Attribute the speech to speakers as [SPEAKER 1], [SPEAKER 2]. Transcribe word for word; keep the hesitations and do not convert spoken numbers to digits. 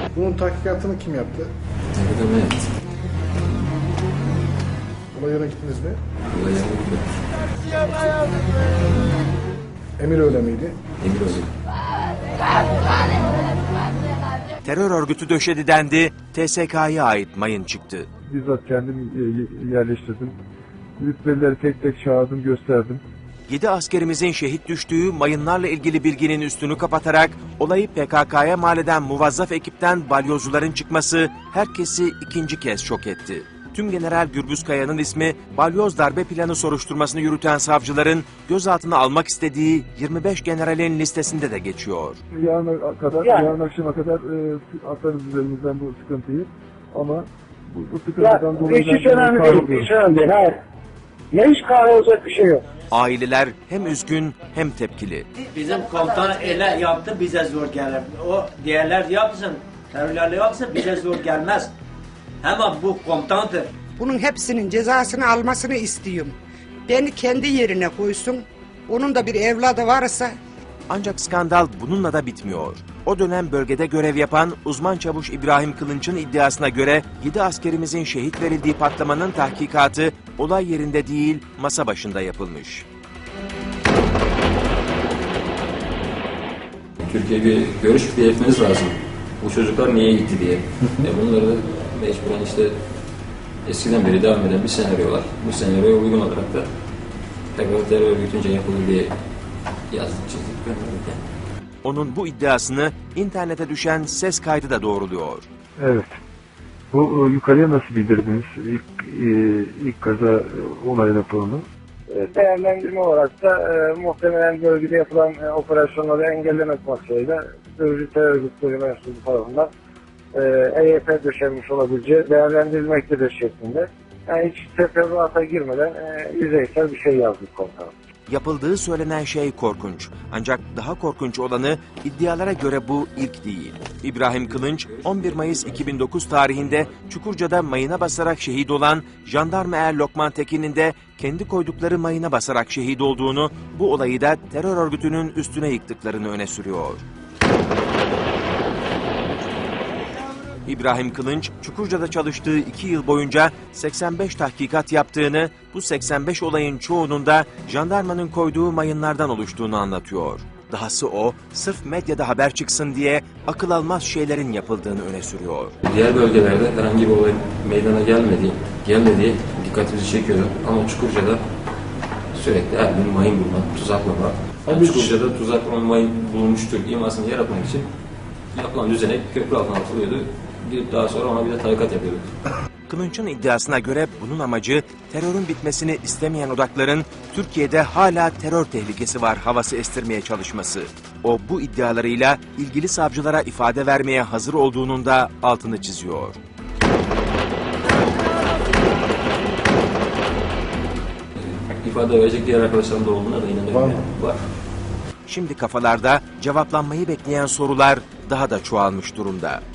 [SPEAKER 1] Bunun tahkikatını kim yaptı?
[SPEAKER 2] Tahkikatını evet.
[SPEAKER 1] Olay yerine gittiniz mi?
[SPEAKER 2] Olay yerine gitmedik.
[SPEAKER 1] Emir öyle miydi?
[SPEAKER 2] Emir öyle.
[SPEAKER 3] Terör örgütü döşedi dendi, T S K'ya ait mayın çıktı.
[SPEAKER 4] Bizzat kendim yerleştirdim. Rütbelileri tek tek çağırdım, gösterdim.
[SPEAKER 3] Yedi askerimizin şehit düştüğü mayınlarla ilgili bilginin üstünü kapatarak olayı P K K'ya mal eden muvazzaf ekipten balyozcuların çıkması herkesi ikinci kez şok etti. Tümgeneral Gürbüz Kaya'nın ismi balyoz darbe planı soruşturmasını yürüten savcıların gözaltına almak istediği yirmi beş generalin listesinde de geçiyor.
[SPEAKER 4] Yarına kadar, yani. yarın akşama kadar e, atarız üzerimizden bu sıkıntıyı ama bu, bu sıkıntıdan
[SPEAKER 5] ya,
[SPEAKER 4] dolayı...
[SPEAKER 5] Hiç önemli değil, hiç önemli değil, hayır. Ya hiç kahrolacak bir şey yok.
[SPEAKER 3] Aileler hem üzgün hem tepkili.
[SPEAKER 6] Bizim komutan ele yaptı, bize zor gelir. O diğerler yapsın, terörlerle yapsın, bize zor gelmez. Ama bu komutandır.
[SPEAKER 7] Bunun hepsinin cezasını almasını istiyorum. Beni kendi yerine koysun. Onun da bir evladı varsa...
[SPEAKER 3] Ancak skandal bununla da bitmiyor. O dönem bölgede görev yapan uzman çavuş İbrahim Kılınç'ın iddiasına göre yedi askerimizin şehit verildiği patlamanın tahkikatı olay yerinde değil masa başında yapılmış.
[SPEAKER 2] Türkiye'ye bir görüş belirtmeniz lazım. Bu çocuklar niye gitti diye. e bunları da mecburen işte eskiden beri devam eden bir senaryo var. Bu senaryoya uygun olarak da tekrar terör örgütünce yapıldı diye yazdık, çizdik, gönderdik yani.
[SPEAKER 3] Onun bu iddiasını internete düşen ses kaydı da doğruluyor.
[SPEAKER 4] Evet. Bu e, yukarıya nasıl bildirdiniz ilk, e, ilk kaza e, olay raporunu?
[SPEAKER 5] Değerlendirme olarak da e, muhtemelen bölgede yapılan e, operasyonları engellemek maksadıyla Sözcü Terör Örgütleri mensubu tarafından e, E Y P döşenmiş olabileceği değerlendirilmektedir şeklinde. Yani hiç teferruata girmeden e, yüzeysel bir şey yazdık komutanım.
[SPEAKER 3] Yapıldığı söylenen şey korkunç. Ancak daha korkunç olanı iddialara göre bu ilk değil. İbrahim Kılınç on bir Mayıs iki bin dokuz tarihinde Çukurca'da mayına basarak şehit olan jandarma er Lokman Tekin'in de kendi koydukları mayına basarak şehit olduğunu, bu olayı da terör örgütünün üstüne yıktıklarını öne sürüyor. İbrahim Kılınç, Çukurca'da çalıştığı iki yıl boyunca seksen beş tahkikat yaptığını, bu seksen beş olayın çoğunun da jandarmanın koyduğu mayınlardan oluştuğunu anlatıyor. Dahası o, sırf medyada haber çıksın diye akıl almaz şeylerin yapıldığını öne sürüyor.
[SPEAKER 2] Diğer bölgelerde herhangi bir olay meydana gelmediği, gelmediği dikkatimizi çekiyordu. Ama Çukurca'da sürekli her gün mayın bulma, tuzaklama. Yani Çukurca'da tuzaklama mayın bulunmuştur imasını yaratmak için yapılan düzenek köprü altına atılıyordu. Gidip daha sonra ona bir de tarikat yapıyorduk.
[SPEAKER 3] Kılınç'ın iddiasına göre bunun amacı terörün bitmesini istemeyen odakların Türkiye'de hala terör tehlikesi var havası estirmeye çalışması. O bu iddialarıyla ilgili savcılara ifade vermeye hazır olduğunun da altını çiziyor.
[SPEAKER 2] İfade verecek diğer arkadaşlarım da olduğuna da inanıyorum.
[SPEAKER 1] Var mı?
[SPEAKER 2] Var.
[SPEAKER 3] Şimdi kafalarda cevaplanmayı bekleyen sorular daha da çoğalmış durumda.